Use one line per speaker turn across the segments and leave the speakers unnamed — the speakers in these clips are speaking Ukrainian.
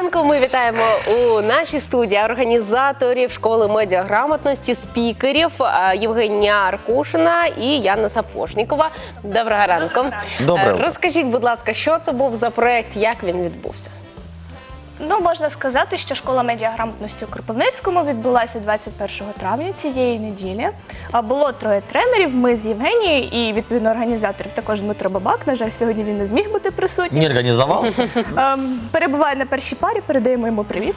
ранку. Ми вітаємо у нашій студії організаторів школи медіаграмотності, спікерів Євгенія Аркушина і Яна Сапожнікова. Доброго ранку.
Доброго.
Розкажіть, будь ласка, що це був за проєкт, як він відбувся?
Ну, можна сказати, що школа медіаграмотності у Кропивницькому відбулася 21 травня цієї неділі. Було 3 тренерів, ми з Євгенією і, відповідно, організаторів також Дмитро Бабак. На жаль, сьогодні він не зміг бути присутній.
Не организовался?
Перебуває на першій парі, передаємо йому привіт.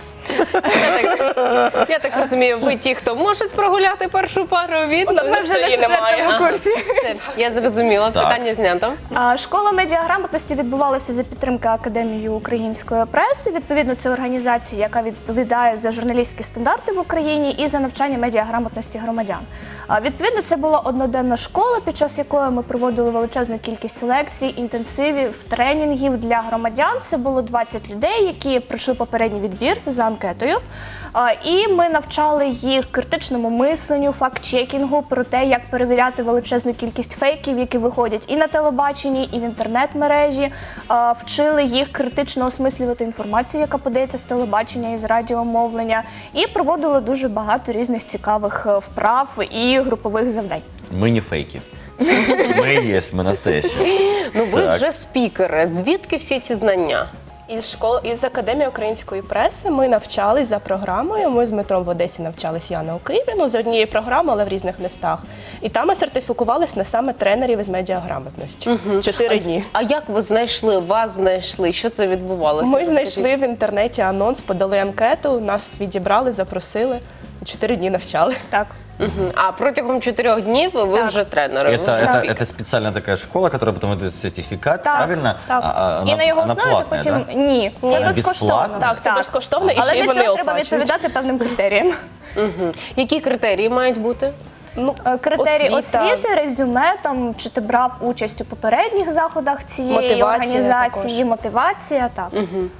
Я так розумію, ви ті, хто можуть прогуляти першу пару від...
У нас ми вже на 4-му курсі.
Все, я зрозуміла,
Так.
питання знято.
Школа медіаграмотності відбувалася за підтримки Академії української преси. Відповідно, це організація, яка відповідає за журналістські стандарти в Україні і за навчання медіаграмотності громадян. Відповідно, це була одноденна школа, під час якої ми проводили величезну кількість лекцій, інтенсивів, тренінгів для громадян. Це було 20 людей, які пройшли попередній відбір за анкетою. І ми навчали їх критичному мисленню, факт-чекінгу, про те, як перевіряти величезну кількість фейків, які виходять і на телебаченні, і в інтернет-мережі. Вчили їх критично осмислювати інформацію, яка подається з телебачення і з радіомовлення. І проводили дуже багато різних цікавих вправ і групових завдань.
Мы не фейки. Мы есть, мы настоящие.
Ну, ви
Так.
вже спікери. Звідки всі ці знання?
Із Академії української преси ми навчались за програмою. Ми з Дмитром в Одесі навчались, Яна у Києві, за однією програмою, але в різних містах. І там ми сертифікувались на саме тренерів із медіаграмотності. 4 дні.
А як ви знайшли, вас знайшли? Що це відбувалося?
Ми
Розкажіть.
знайшли в інтернеті анонс, подали анкету, нас відібрали, запросили. 4 дні навчали.
Так.
Мгм. А протягом 4 днів ви вже тренери? ви вже спікер.
Это специальная такая школа, которая потом выдает сертификат,
Так,
правильно?
так.
І на його
она
основі ти
платная,
потім...
да?
Ні, це
Вона
безкоштовно.
безплатна?
Так, це безкоштовно, і
Але
ще й
для
вони
цього треба
оплачують.
відповідати певним критеріям.
Мгм. Які критерії мають бути?
Ну,
Критерії
освіта.
освіти, резюме, там, чи ти брав участь у попередніх заходах цієї
Мотивація
організації,
також.
мотивація, так.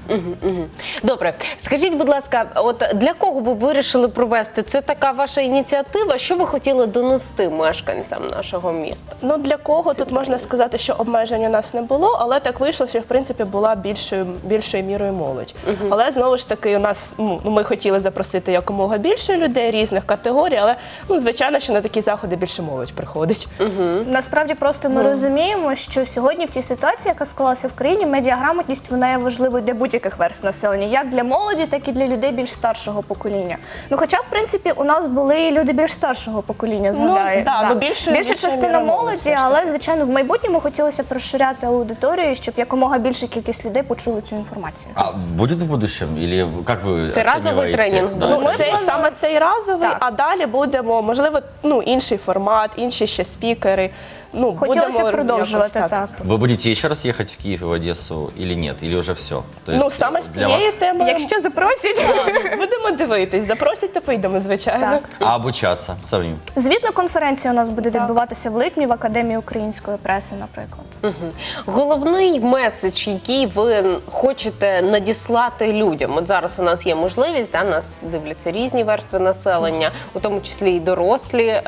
Добре. Скажіть, будь ласка, от для кого ви вирішили провести? Це така ваша ініціатива? Що ви хотіли донести мешканцям нашого міста?
Ну, для кого тут можна сказати, що обмежень у нас не було, але так вийшло, що в принципі була більшою мірою молодь. Але знову ж таки, у нас ми хотіли запросити якомога більше людей різних категорій, але звичайно, що на такі заходи більше молодь приходить.
Насправді просто ми розуміємо, що сьогодні в тій ситуації, яка склалася в країні, медіаграмотність вона є важливою для будь-яких верств населення, як для молоді, так і для людей більш старшого покоління. Ну, хоча, в принципі, у нас були і люди більш старшого покоління, згадаю.
да,
Так.
ну, більша
частина
міра
молоді,
молоді, все ж
але, звичайно, в майбутньому хотілося б розширяти аудиторію, щоб якомога більша кількість людей почули цю інформацію.
А будет в будущем? Или как вы
Это разовый
оцениваете?
тренинг
Да.
был?
Ну, саме цей разовий,
Так.
а далі будемо, можливо, інший формат, інші ще спікери. Ну,
Хотілося
будемо
б продовжувати,
якось
так.
Вы будете еще раз ехать в Киев и в Одессу или нет? Или уже все?
Ну, саме з цією темою
Якщо запросять.
будемо дивитись. Запросять, то поїдемо, звичайно.
Так.
А обучаться самим?
Звітна конференція у нас буде відбуватися в липні в Академії української преси, наприклад.
Головний меседж, який ви хочете надіслати людям. От зараз у нас є можливість, нас дивляться різні верстви населення, у тому числі і дорослі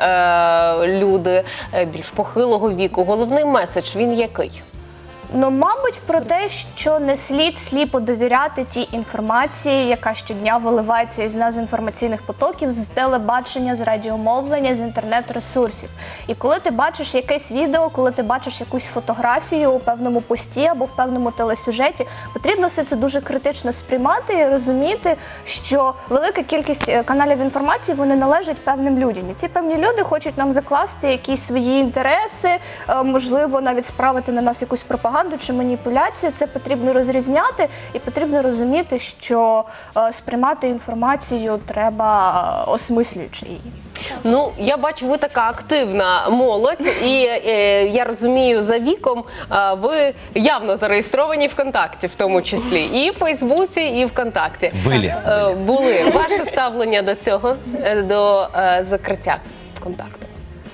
люди більш похилого віку. Головний меседж, він який?
Ну, мабуть, про те, що не слід сліпо довіряти тій інформації, яка щодня виливається із нас з інформаційних потоків, з телебачення, з радіомовлення, з інтернет-ресурсів. І коли ти бачиш якесь відео, коли ти бачиш якусь фотографію у певному пості або в певному телесюжеті, потрібно все це дуже критично сприймати і розуміти, що велика кількість каналів інформації, вони належать певним людям. І ці певні люди хочуть нам закласти якісь свої інтереси, можливо, навіть справити на нас якусь пропаганду чи маніпуляцію. Це потрібно розрізняти і потрібно розуміти, що сприймати інформацію треба осмислюючи її.
Ну, я бачу, ви така активна молодь, і я розумію, за віком ви явно зареєстровані ВКонтакті, в тому числі, і в Фейсбуці, і ВКонтакті. Були. Ваше ставлення до цього, до закриття ВКонтакту?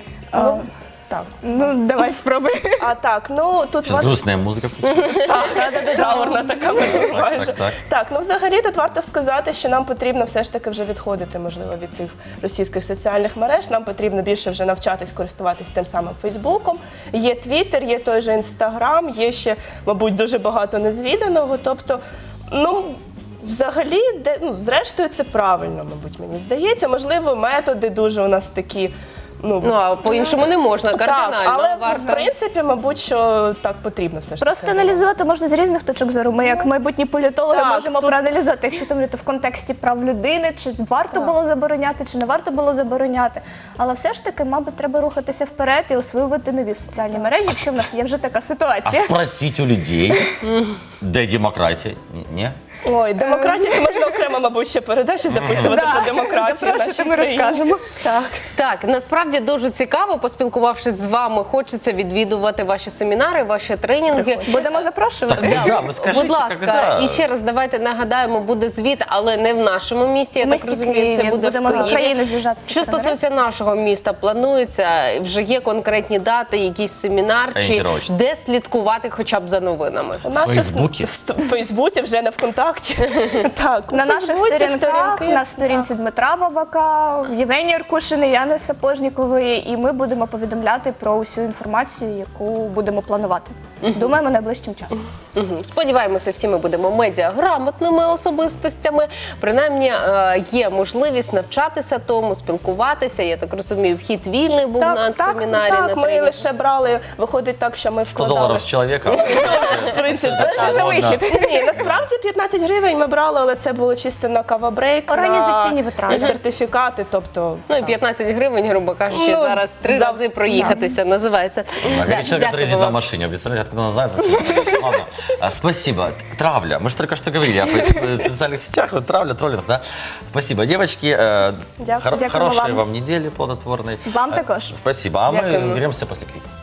Так.
Ну, давай спробуй.
А так, ну тут
Сейчас грустная музыка включится.
траурна така майже.
так.
Так, ну взагалі тут варто сказати, що нам потрібно все ж таки вже відходити, можливо, від цих російських соціальних мереж. Нам потрібно більше вже навчатись користуватись тим самим Фейсбуком. Є Твіттер, є той же Інстаграм, є ще, мабуть, дуже багато незвіданого. Тобто, ну, Взагалі, зрештою, це правильно, мабуть, мені здається. Можливо, методи дуже у нас такі.
Ну, а по-іншому не можна, кардинально
Так, але
варто.
в принципі, мабуть, що так потрібно все ж
Просто
таки.
аналізувати можна з різних точок зору. Ми, як майбутні політологи,
Так,
можемо
тут-
проаналізувати, якщо там в контексті прав людини, чи варто було забороняти, чи не варто було забороняти. Але все ж таки, мабуть, треба рухатися вперед і освоювати нові соціальні мережі, якщо в нас є вже така
А
ситуація.
спросить у людей, де демократія? Ні?
Ой, демократія, це можна окремо, мабуть, ще передачі записувати про демократію. в
Запрошуйте,
нашій
ми
країні.
розкажемо.
Так.
Так, насправді дуже цікаво, поспілкувавшись з вами, хочеться відвідувати ваші семінари, ваші тренінги.
Будемо запрошувати.
Так, да, ви скажіть,
будь ласка,
когда?
і ще раз давайте нагадаємо, буде звіт, але не в нашому місті, я
В
так
місті
розумію,
Києві.
це буде
Будемо
в
з
Києві.
України з'їжджатися.
Що стосується нашого міста, планується, вже є конкретні дати, якийсь семінар, чи
Орієнтировочно.
де слідкувати хоча б за новинами?
Фейсбуці?
В Фейсбуці, вже не ВКонтакті. Так,
На
у
наших
Фейсбуці
сторінках,
сторінки.
на сторінці Дмитра Бабака, Євгенії Аркушини, Яни Сапожнікової, і ми будемо повідомляти про усю інформацію, яку будемо планувати. Думаємо, найближчим часом.
Мгм. Сподіваємося, всі ми будемо медіаграмотними особистостями. Принаймні є можливість навчатися тому, спілкуватися. Я так розумію, вхід вільний був на семінарі,
так,
на
ми
тренінгу.
лише брали, виходить так, що ми
$100
вкладали.
з чоловіка.
В принципі,
Це
на
модно.
вихід. Ні, насправді 15 гривень ми брали, але це було чисто на кавабрейк,
Організаційні
на
витрати.
сертифікати, тобто...
Ну і 15 гривень, грубо кажучи,
Ну,
зараз 3 рази проїхатися називається.
Говорит человек, который ездит на
вам.
машине. Представляете, откуда он знает? Ладно. Спасибо. Травля. Мы же только что говорили о социальных сетях. Вот травля, троллинг, да? Спасибо, девочки.
Дякую
Хорошей
вам.
вам недели плодотворной.
Вам також.
Спасибо. А мы
Дякуємо.
вернемся после клипа.